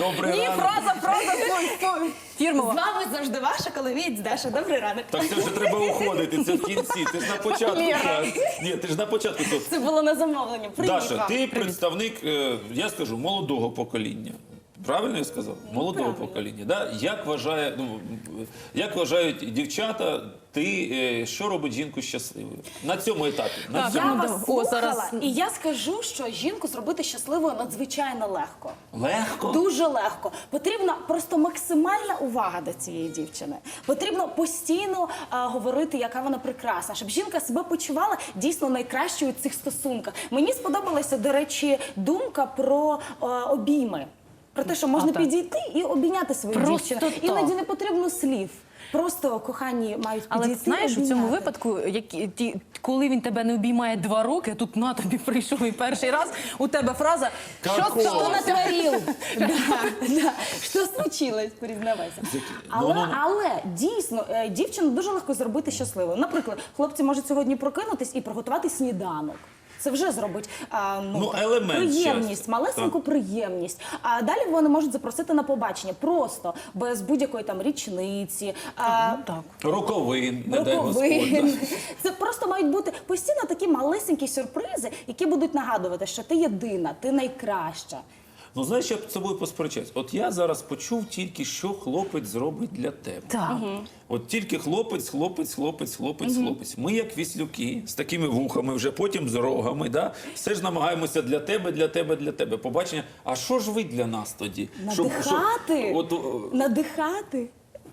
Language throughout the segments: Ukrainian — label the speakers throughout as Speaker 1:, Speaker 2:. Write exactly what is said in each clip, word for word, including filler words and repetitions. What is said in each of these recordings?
Speaker 1: Добрий
Speaker 2: Ні,
Speaker 1: ранок.
Speaker 2: фраза, фраза, стой, стой.
Speaker 3: З
Speaker 2: Фірмова.
Speaker 3: вами завжди ваша коломієць Даша. Добрий ранок.
Speaker 1: Так це вже треба уходити, це в кінці. Ти ж на початку.
Speaker 2: Лєра.
Speaker 1: Ні, ти ж на початку. тут.
Speaker 3: Це було на замовлення. Привіт
Speaker 1: Даша,
Speaker 3: вам.
Speaker 1: ти представник, е, я скажу, молодого покоління. Правильно я сказав? Молодого
Speaker 3: правильно.
Speaker 1: покоління. Да? Як вважає, ну, як вважають дівчата, ти, е, що робить жінку щасливою? На цьому етапі. На
Speaker 2: Так,
Speaker 1: цьому.
Speaker 3: Я
Speaker 2: Ну,
Speaker 3: вас
Speaker 2: да.
Speaker 3: слухала,
Speaker 2: О, зараз-
Speaker 3: і я скажу, що жінку зробити щасливою надзвичайно легко.
Speaker 1: Легко?
Speaker 3: Дуже легко. Потрібна просто максимальна увага до цієї дівчини. Потрібно постійно а, говорити, яка вона прекрасна, щоб жінка себе почувала дійсно найкращою у цих стосунках. Мені сподобалася, до речі, думка про а, обійми. Про те, що можна
Speaker 2: А, так.
Speaker 3: підійти і обійняти свою
Speaker 2: Просто
Speaker 3: дівчину.
Speaker 2: так.
Speaker 3: Іноді не потрібно слів. Просто кохані мають підійти.
Speaker 2: Але знаєш, у цьому
Speaker 3: обійняти.
Speaker 2: випадку, які, ті, коли він тебе не обіймає два роки, тут на тобі прийшов і перший раз, у тебе фраза «Що
Speaker 1: Какого?
Speaker 3: Что
Speaker 2: сталося?»
Speaker 3: натворил? Да, да. Що случилось, признавайся. Але,
Speaker 1: Ну, ну, ну.
Speaker 3: але дійсно, е, дівчину дуже легко зробити щасливою. Наприклад, хлопці можуть сьогодні прокинутись і приготувати сніданок. Це вже зробить а, ну,
Speaker 1: Ну,
Speaker 3: так,
Speaker 1: елемент
Speaker 3: приємність,
Speaker 1: щастя.
Speaker 3: малесеньку приємність. А далі вони можуть запросити на побачення просто, без будь-якої там річниці. А,
Speaker 2: Ну, так.
Speaker 1: Роковин, не дай Господь.
Speaker 3: Роковин. Це просто мають бути постійно такі малесенькі сюрпризи, які будуть нагадувати, що ти єдина, ти найкраща.
Speaker 1: Ну, знаєш, я б з собою посперечаюсь. От я зараз почув тільки, що хлопець зробить для тебе.
Speaker 2: Так.
Speaker 1: От тільки хлопець, хлопець, хлопець, хлопець, хлопець. Ми, як віслюки, з такими вухами, вже потім з рогами, да? Все ж намагаємося для тебе, для тебе, для тебе. Побачення. А що ж ви для нас тоді? Щоб- щоб-
Speaker 3: Надихати.
Speaker 1: от, о,
Speaker 3: Надихати.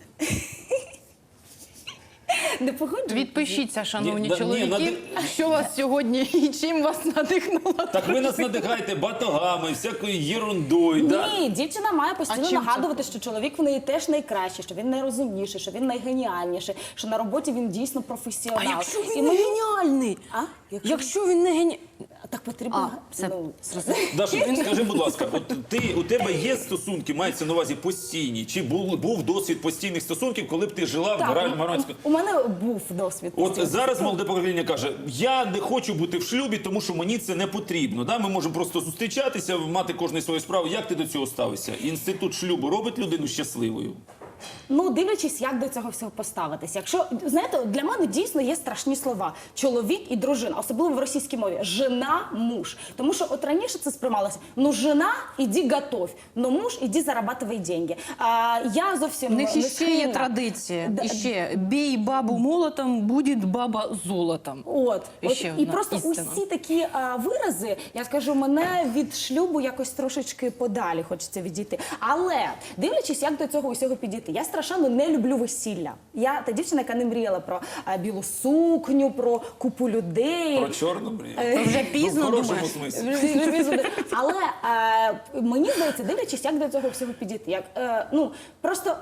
Speaker 3: Не погоджуєтесь?
Speaker 2: Відпишіться, шановні
Speaker 1: Ні, да, ні,
Speaker 2: чоловіки,
Speaker 1: нади-
Speaker 2: що вас сьогодні і чим вас надихнуло.
Speaker 1: так ви нас надихаєте батогами, всякою єрундою. Да?
Speaker 3: Ні, дівчина має постійно
Speaker 2: А чим це?
Speaker 3: нагадувати, що чоловік в неї теж найкращий, що він найрозумніший, що він найгеніальніший, що на роботі він дійсно професіонал.
Speaker 2: А якщо
Speaker 3: І
Speaker 2: він не
Speaker 3: ми-
Speaker 2: геніальний?
Speaker 3: А? Якщо...
Speaker 2: Якщо він не геніальний?
Speaker 3: Так потрібно...
Speaker 2: А, все,
Speaker 3: ну,
Speaker 1: Даша, скажи, будь ласка, от ти, у тебе є стосунки, мається на увазі постійні? Чи був, був досвід постійних стосунків, коли б ти жила в
Speaker 3: так,
Speaker 1: Гра-
Speaker 3: у-
Speaker 1: Маранську?
Speaker 3: у мене був досвід.
Speaker 1: От
Speaker 3: постійно.
Speaker 1: зараз молоде покоління каже, я не хочу бути в шлюбі, тому що мені це не потрібно. Да? Ми можемо просто зустрічатися, мати кожну свою справу. Як ти до цього ставишся? Інститут шлюбу робить людину щасливою?
Speaker 3: Ну, дивлячись, як до цього всього поставитися. Якщо, знаєте, для мене дійсно є страшні слова. Чоловік і дружина, особливо в російській мові. Жена, муж. Тому що от раніше це сприймалося. Ну, жена, іди готовь. Ну, муж, іди зарабатывай деньги. А, я зовсім
Speaker 2: У них
Speaker 3: не
Speaker 2: іще є
Speaker 3: схильна.
Speaker 2: традиція.
Speaker 3: Да.
Speaker 2: Іще бій бабу молотом, буде баба золотом.
Speaker 3: От, от
Speaker 2: Іще
Speaker 3: і
Speaker 2: одна
Speaker 3: просто
Speaker 2: істина.
Speaker 3: усі такі а, вирази, я скажу, мене від шлюбу якось трошечки подалі хочеться відійти. Але дивлячись, як до цього усього підійти, я страшенно не люблю весілля. Я та дівчина, яка не мріяла про а, білу сукню, про купу людей.
Speaker 1: Про чорну мрію?
Speaker 2: То вже пізно
Speaker 1: Ну, в хорошому
Speaker 2: думаєш.
Speaker 1: смислі.
Speaker 3: Вже пізно. Але е, мені здається, дивлячись, як до цього всього підійти. Як, е, ну, просто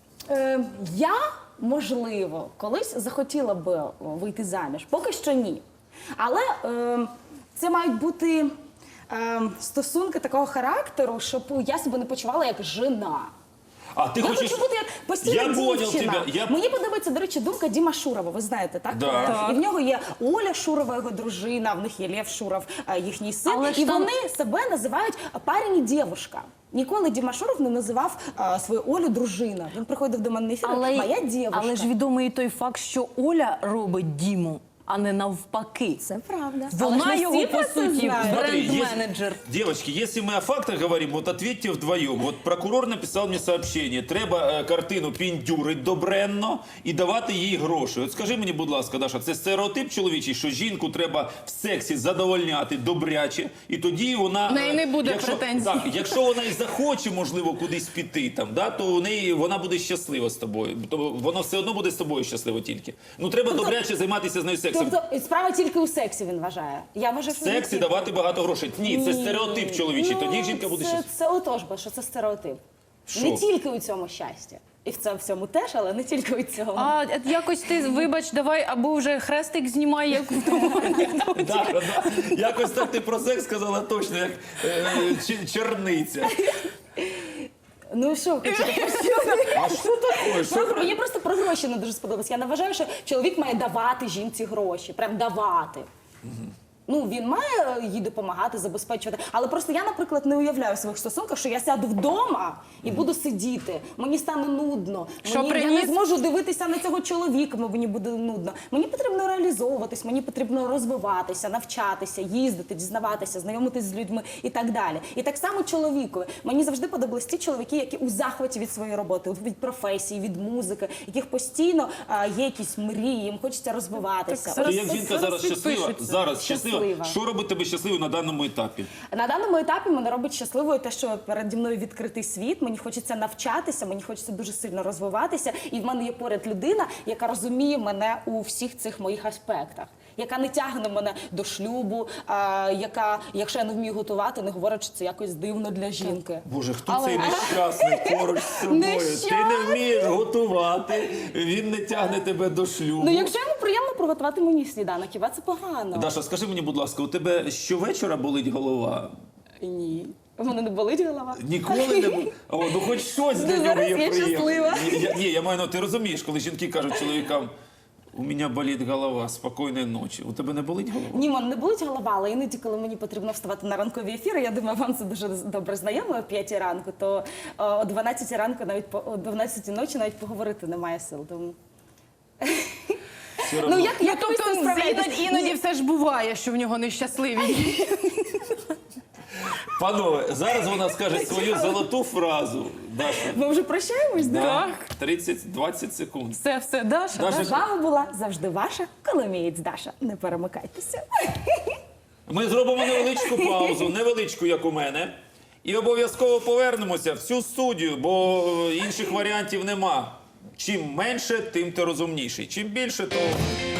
Speaker 3: е, я, можливо, колись захотіла би вийти заміж. Поки що ні. Але е, це мають бути е, стосунки такого характеру, щоб я себе не почувала як жена.
Speaker 1: А ти
Speaker 3: Я
Speaker 1: хочеш...
Speaker 3: хочу бути як постійна
Speaker 1: Я понял
Speaker 3: дівчина.
Speaker 1: тебе. Я...
Speaker 3: Мені подобається, до речі, думка Діма Шурова, ви знаєте, так?
Speaker 1: Да.
Speaker 3: Е,
Speaker 1: Так.
Speaker 3: І в нього є Оля Шурова, його дружина, в них є Лев Шуров, е, їхній син.
Speaker 2: Але ж
Speaker 3: і
Speaker 2: там-
Speaker 3: вони себе називають парень і дівушка. Ніколи Діма Шуров не називав е, свою Олю дружина. Він приходив до мене на ефір, моя дівушка.
Speaker 2: але ж відомий і той факт, що Оля робить Діму, а не навпаки.
Speaker 3: Це правда. Але ж
Speaker 2: Вона
Speaker 3: не
Speaker 2: його,
Speaker 3: всі
Speaker 2: по
Speaker 3: про це
Speaker 2: суті,
Speaker 3: знають.
Speaker 1: Смотри,
Speaker 2: бренд-менеджер.
Speaker 1: есть- Девочки, если мы о фактах говорим, вот ответьте вдвоем. Вот прокурор написав мені сообщение. Треба е, картину піндюрить добренно і давати їй гроші. От скажи мені, будь ласка, Даша, це стереотип чоловічий, що жінку треба в сексі задовольняти добряче, і тоді вона...
Speaker 2: В неї не буде
Speaker 1: якщо,
Speaker 2: претензій.
Speaker 1: Так, якщо вона і захоче, можливо, кудись піти, там, да, то у неї, вона буде щаслива з тобою. То воно все одно буде з тобою щасливо тільки. Ну, треба добряче займатися з нею сексом.
Speaker 3: Тобто справа тільки у сексі, він вважає. Я вважаю,
Speaker 1: В
Speaker 3: що не
Speaker 1: сексі
Speaker 3: тільки.
Speaker 1: давати багато грошей. Ні, це
Speaker 3: Ні.
Speaker 1: стереотип чоловічий.
Speaker 3: Ну,
Speaker 1: Тоді жінка буде
Speaker 3: це,
Speaker 1: щаслива.
Speaker 3: це отож, бо що це стереотип.
Speaker 1: Що?
Speaker 3: Не тільки у цьому щастя. І в цьому всьому теж, але не тільки у цьому.
Speaker 2: А от якось ти, вибач, давай, або вже хрестик знімай, як в тому анекдоті.
Speaker 1: Да, да. Якось так ти про секс сказала точно, як е, чи- черниця.
Speaker 3: Ну що, хочете почути?
Speaker 1: А що таке? Що?
Speaker 3: Про- Мені просто про гроші не дуже сподобалось. Я не вважаю, що чоловік має давати жінці гроші. Прям давати. Ну, він має їй допомагати, забезпечувати. Але просто я, наприклад, не уявляю в своїх стосунках, що я сяду вдома і буду сидіти. Мені стане нудно.
Speaker 2: Що
Speaker 3: Мені, я
Speaker 2: приніс?
Speaker 3: не зможу дивитися на цього чоловіка, мені буде нудно. Мені потрібно реалізовуватись, мені потрібно розвиватися, навчатися, їздити, дізнаватися, знайомитись з людьми і так далі. І так само чоловікові. Мені завжди подобались ті чоловіки, які у захваті від своєї роботи, від професії, від музики, яких постійно а, є якісь мрії, їм хочеться розвиватися.
Speaker 2: Так,
Speaker 1: Ти
Speaker 2: зараз-
Speaker 1: як жінка
Speaker 2: зараз
Speaker 1: зараз щаслива,
Speaker 2: підпишуться.
Speaker 1: зараз щаслива.
Speaker 3: Щаслива.
Speaker 1: Що робить тебе щасливою на даному етапі?
Speaker 3: На даному етапі мене робить щасливою те, що переді мною відкритий світ. Мені хочеться навчатися, мені хочеться дуже сильно розвиватися. І в мене є поряд людина, яка розуміє мене у всіх цих моїх аспектах, яка не тягне мене до шлюбу, а, яка, якщо я не вмію готувати, не говорить, що це якось дивно для жінки.
Speaker 1: Боже, хто
Speaker 2: Але-
Speaker 1: цей нещасний поруч з собою? Ти не
Speaker 3: Нещасний.
Speaker 1: вмієш готувати, він не тягне тебе до шлюбу.
Speaker 3: Ну, якщо йому приємно приготувати мені сніданок, хіба це погано?
Speaker 1: Даша, скажи мені, будь ласка, у тебе щовечора болить голова?
Speaker 3: Ні. У мене не болить голова.
Speaker 1: Ніколи не було. О, ну хоч щось для
Speaker 3: Ну,
Speaker 1: нього
Speaker 3: зараз
Speaker 1: є
Speaker 3: я
Speaker 1: приємне.
Speaker 3: щаслива.
Speaker 1: Ні, я, ні, я маю, ну, ти розумієш, коли жінки кажуть чоловікам, у мене болить голова, спокійної ночі. У тебе не болить голова?
Speaker 3: Ні, мене не болить голова, але іноді, коли мені потрібно вставати на ранкові ефіри, я думаю, вам це дуже добре знайомо о п'ятій ранку, то о, о дванадцятій ранку, навіть по о дванадцятій ночі навіть поговорити немає сил. Тому...
Speaker 1: Все
Speaker 3: Ну,
Speaker 1: одно.
Speaker 3: як,
Speaker 2: Ну,
Speaker 3: як ви з
Speaker 2: тобто
Speaker 3: цим справляєтесь?
Speaker 2: іноді, іноді все ж буває, що в нього нещасливі.
Speaker 1: Панове, зараз вона скаже свою золоту фразу. Даша,
Speaker 3: Ми вже прощаємось? Да?
Speaker 1: так, тридцять-двадцять секунд.
Speaker 2: Все, все, Даша.
Speaker 1: Даша,
Speaker 3: З вами була завжди ваша Коломієць Даша. Не перемикайтеся.
Speaker 1: Ми зробимо невеличку паузу, невеличку, як у мене. І обов'язково повернемося в цю студію, бо е, інших варіантів нема. Чим менше, тим ти розумніший. Чим більше, то